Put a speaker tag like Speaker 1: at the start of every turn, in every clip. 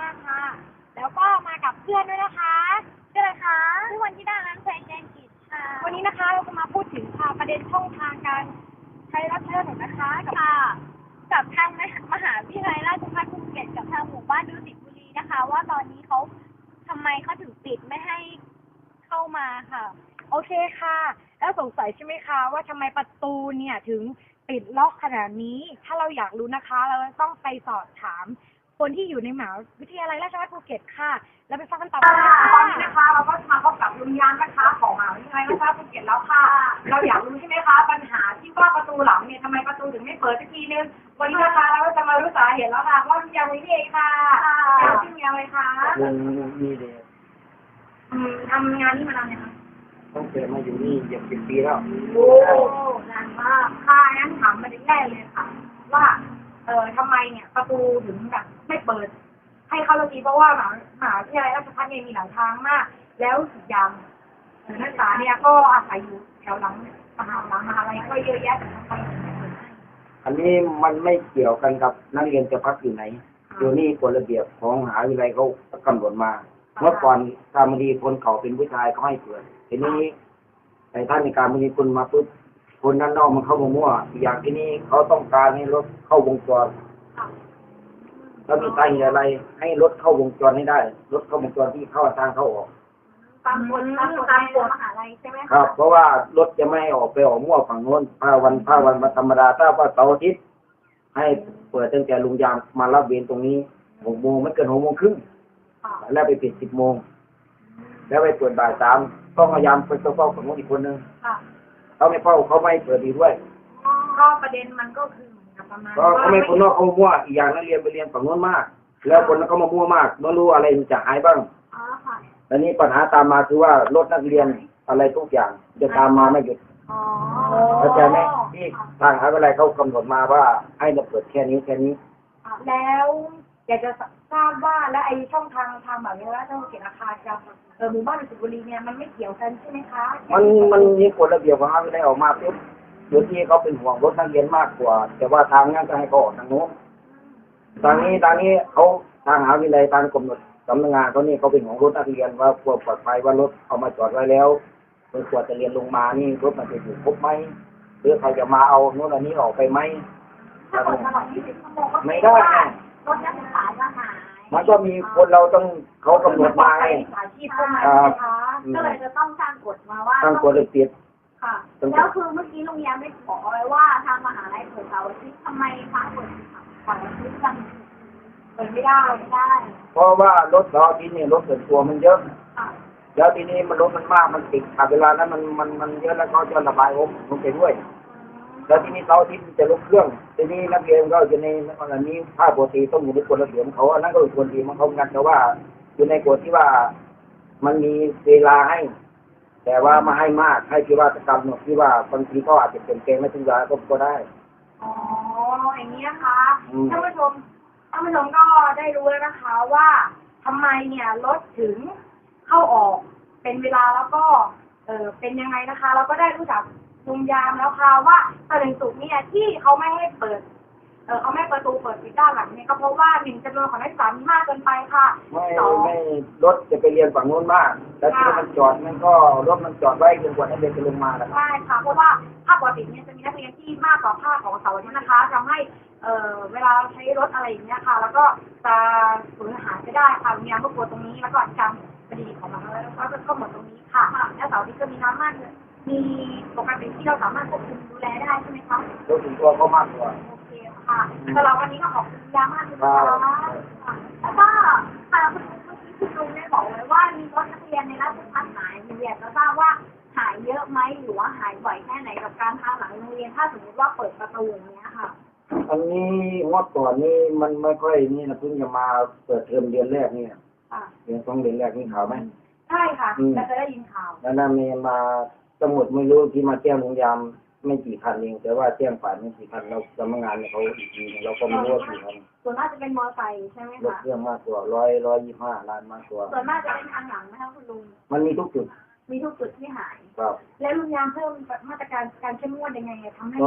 Speaker 1: ค่ะแล้วก็มากับเพื่อนด้วยนะคะชื่ออะไรคะชื่อวันธิดาล้างแสงแกงกิจค่ะวันนี้นะคะเราจะมาพูดถึงประเด็นช่องทางการใช้รถใช้ถนนนะคะกับทางมหาวิทยาลัยราชภัฏภูเก็ตกับทางหมู่บ้านดุสิตบุรีนะคะว่าตอนนี้เขาทำไมเขาถึงปิดไม่ให้เข้ามาค่ะโอเคค่ะแล้วสงสัยใช่ไหมคะว่าทำไมประตูเนี่ยถึงปิดล็อกขนาดนี้ถ้าเราอยากรู้นะคะเราต้องไปสอบถามคนที่อยู่ในมหาวิทยาลัยราชภัฏภูเก็ตค่ะแล้วไปฟังกันต่อค่ะตอนนี้นะคะเราก็มาพบกับลุงยามนะคะของมหาวิทยาลัยราชภัฏภูเก็ตแล้วค่ะเราอยากรู้ใช่ไหมคะปัญหาที่ว่าประตูหลังเนี่ยทำไมประตูถึงไม่เปิดสักทีนึงวันนี้นะคะเราก็จะมารู้สาเหตุแล้วค่ะว่าลุงยามนี่เองค่ะชื่อลุงยามเลยค่ะ
Speaker 2: มีเด็ก
Speaker 1: ทำงานนี่มานานยังคะ
Speaker 2: ต้องเกิดมาอยู่นี่เกือบ10 ปีแล้ว
Speaker 1: โอ้นานมากค่ะงั้นถามมาได้แรกเลยค่ะว่าทำไมเนี่ยประตูถึงแบบไม่เปิดให้เข้าสักทีเพราะว่ามหาวิทยาลัยราชภัฏเนี่ยมีหลายทางมากแล้วอีกอย่างนักศึกษาเนี่ยก็อาศัยอยู่แถวหลังมหาลัยก็เยอะแยะแต่ทำไมถึงไม่เปิดให้
Speaker 2: อันนี้มันไม่เกี่ยวกันกับนักเรียนจะพักอยู่ไหนอยู่นี่กฎระเบียบของมหาวิทยาลัยเขากำหนดมาเมื่อก่อนการบดีคนเขาเป็นผู้ชายเขาให้เปิดทีนี้แต่ท่านในการบดีคุณมาปุ๊บคนด้านนอกมันเข้ามามั่วอย่างที่นี้เขาต้องการให้รถเข้าวงจรแล้วมีสาเหตุอะไรให้รถเข้าวงจรให้ได้รถเข้าวงจรที่เข้าทางเข้าออก
Speaker 1: ตามกฎมหาลัยใช่ไหม
Speaker 2: ครับเพราะว่ารถจะไม่ออกไปออกมั่วฝั่งโน้นผ้าวันธรรมดาถ้าว่าเสาร์อาทิตย์ให้เปิดตั้งแต่ลุงยามมารับเวรตรงนี้6 โมงไม่เกิน6 โมงครึ่งแล้วไปปิด10 โมงแล้วไปเปิดบ่าย3ต้องพยายามไปเฝ้าฝั่งโน้นอีกคนนึงเขาไม่เฝ้าเขาไม่เปิดดีด้วย
Speaker 1: ก็ประเด็นมันก็คือประมาณ
Speaker 2: เขาไม่คนนอกเขามั่วอีกอย่างนักเรียนไปเรียนฝั่งโน้นมากแล้วคนนั้นก็มามั่วมากไม่รู้อะไรมันจะหายบ้างและนี่ปัญหาตามมาคือว่ารถนักเรียนอะไรทุกอย่างจะตามมาไม่หยุดเข้าใจไหมที่ทางอะไรเขากำหนดมาว่าให้เราเปิดแค่นี้
Speaker 1: แล้วอยากจะทราบว่าและไอช่องทางแบบนี้แล้วช่องเขียนราคาจะหมู่บ้านดุสิตบุรีเนี่ยมันไม่เกี่ยวกันใช่ไหมคะ
Speaker 2: มันมีกฎระเบียบของมหาวิทยาลัยออกมาปุ๊บโดยที่เขาเป็นห่วงรถนักเรียนมากกว่าแต่ว่าทางนั้นก็ให้เขาออกทางโน้นทางนี้เขาทางมหาวิทยาลัยทางกำหนดสำนักงานเขานี่เขาเป็นของรถนักเรียนว่าควรปลอดภัยว่ารถเอามาจอดไว้แล้วเมื่อควรจะเรียนลงมานี่รถมันจะอยู่ครบไหมหรือใครจะมาเอาโน้นอันนี้ออกไปไหม
Speaker 1: ถ้าตลอด20 ชั่วโมงก็
Speaker 2: ไม่ได้
Speaker 1: รถนักศึกษาจะหาย
Speaker 2: มันก็มีคนเราต้องเขากำหนดมาไง
Speaker 1: ก็เลยจะต้องสร้างกฎมาว่า
Speaker 2: ตั้งกฎระเบียบ
Speaker 1: ค่ะแล้วคือเมื่อกี้ลุงยามได้ขอไว้ว่าทางมหาลัยเปิดเสาร์อาทิตย์ทำไมทางเปิดเสาร์อาทิตย์จังเปิดไม่ได้
Speaker 2: เพราะว่ารถเสาร์อาทิตย์นี่รถส่วนตัวมันเยอะแล้วทีนี้มันรถมันมากมันติดเวลานั้นมันเยอะแล้วเขาจะระบายลงไปด้วยแล้วทีนี้เสาร์อาทิตย์จะลงเครื่องทีนี้นักเรียนก็อยู่ในอันนี้ภาคปกติต้องอยู่ในกฎระเบียบเขาอันนั้นก็เป็นคนดีมันเขากันแต่ว่าอยู่ในกฎที่ว่ามันมีเวลาให้แต่ว่ามาให้มากให้ที่ว่าจะกำหนดที่ว่าบางทีก็อาจจะเปลี่ยนแปลงไม่ถึงเวลาก็ได้
Speaker 1: อ๋ออย่างนี้นะคะท่านผู้ชมก็ได้รู้แล้วนะคะว่าทำไมเนี่ยรถถึงเข้าออกเป็นเวลาแล้วก็เป็นยังไงนะคะเราก็ได้รู้จักลุงยามแล้วค่ะว่าตอนศุกร์เนี่ยที่เขาไม่ให้เปิดเขาไม่ประตูเปิดปิดด้านหลังเนี่ยก็เพราะว่า1 จำนวนของนักศึกษามีมากเกินไปค่ะ
Speaker 2: ไม่รถจะไปเรียนฝั่งโน้นมากแล้วที่มันจอดมันก็รถมันจอดไว้จนกว่านักเรียนจะลงมาแล้ว
Speaker 1: ใช่ค่ะเพราะว่าภาคปกติเนี่ยจะมีนักเรียนที่มากกว่าภาคของเสาร์อาทิตย์นะคะทำให้เวลาใช้รถอะไรอย่างเงี้ยค่ะแล้วก็จะสูญหายไปได้ค่ะมีน้ำก็กลัวตรงนี้แล้วก็จำคดีของมันแล้วก็จะเข้าหมดตรงนี้ค่ะและเสาร์อาทิตย์ก็มีน้ำมากเลยมีปกติที่เราสามารถควบคุมดูแลได้ใช่ไหมคะ
Speaker 2: รถถึงตัวก็มากกว่า
Speaker 1: โอเคค่ะสำหรับวันนี้ก็ขอบคุณยามากเลยนะคะแล้วก็ค่ะคุณลุงได้บอกไว้ว่ามีรถนักเรียนในราชภัฏหายอยากจะทราบว่าหายเยอะไหมหรือว่าหายบ่อยแค่ไหนกับการทางหลังโรงเรียนถ้าสมมติว่าเปิดประตูอย่างเงี้ยค่ะ
Speaker 2: อันนี้งวดก่อนนี่มันไม่ค่อยนี่นะเพิ่งจะมาเปิดเทอมเดือนแรกนี่เดือน2 เดือนแรกนี่ข่าวไหม
Speaker 1: ใช่ค่ะเราจะได้ยินข่าว
Speaker 2: แล้วนั่นมีมาสมุดไม่รู้ที่มาแจ้งโรงยามไม่กี่คันเองแต่ว่าแจ้งฝ่ายไม่กี่คันเราสำนักงานเขาอีกทีเราก็ไม่รู้ว่ากี่คัน
Speaker 1: ส่วนมากจะเป็นมอเตอร์ไซค์ใช่ไหมคะ
Speaker 2: รถเครื่องมากกว่า125 ล้านมากกว่า
Speaker 1: ส่วนมากจะเป็นทางหลังนะคะคุณลุง
Speaker 2: มันมีทุกจุด
Speaker 1: ที่หาย
Speaker 2: ครับ
Speaker 1: แล้วลุงยามเพิ่มมาตรการการเข้มงวดยังไงทำให้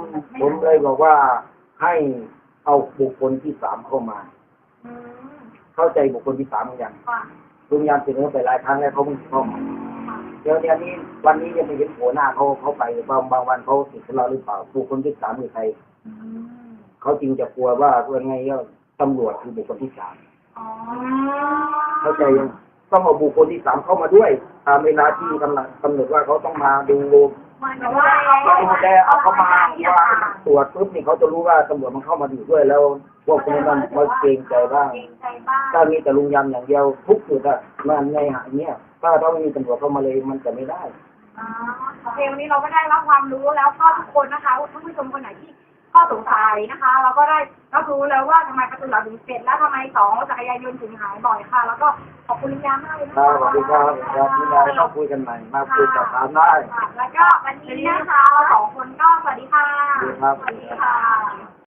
Speaker 2: ผมเลยบอกว่าให้เอาบุคคลที่3เข้ามาเข้าใจบุคคลที่สามเหมือนกัน
Speaker 1: ค่ะ
Speaker 2: ลุงยามเสนอไปหลายครั้งแล้วเขาเพิ่งเข้ามาเดี๋ยวนี้วันนี้ยังไม่เห็นหัวหน้าเขาไปบางวันเขาติดกับเราหรือเปล่าบุคคลที่สามคือใครเขาจริงจะกลัวว่าเพื่อนไงก็ตำรวจคือบุคคลที่สาม
Speaker 1: อ๋อ
Speaker 2: เข้าใจยังต้องเอาบุคคลที่สามเข้ามาด้วยตามเวลาที่กำหนดว่าเขาต้องมาดู
Speaker 1: มันแต่ว่า
Speaker 2: ดูแลเอาเขามาว่าตรวจปุ๊บนี่เขาจะรู้ว่าตำรวจมันเข้ามาดูด้วยแล้วพวกนี้มันเกรงใจบ้าง
Speaker 1: เกรงใจบ้าง
Speaker 2: ถ้ามีแต่ลุงยำอย่างเดียวทุกจุดอะมันในหาเนี่ยถ้าไม่มีตำรวจเข้ามาเลยมันจะไม่ได้
Speaker 1: อ๋อโอเควันนี้เราก็ได้รับความรู้แล้วก็ทุกคนนะคะท่านผู้ชมคนไหนที่ข้อสงสัยนะคะ เราก็ได้รับรู้แล้วว่าทำไมประตูหลังถึงเสร็จและทำไมสองจักรยานยนต์ถึงหายบ่อยค่ะ แล้วก็ขอบคุณลุงยามากเลยนะ
Speaker 2: ครั
Speaker 1: คะ
Speaker 2: บสวัสดีครับครับมีอะไรก็คุยกันใหม่มาคุยกับถามได้
Speaker 1: ค่ะแล้วก็วันนี้นะคะเราสองคนก็สวัสดีค่ะ
Speaker 2: สวัสดีครับ
Speaker 1: สวัสดีค่ะ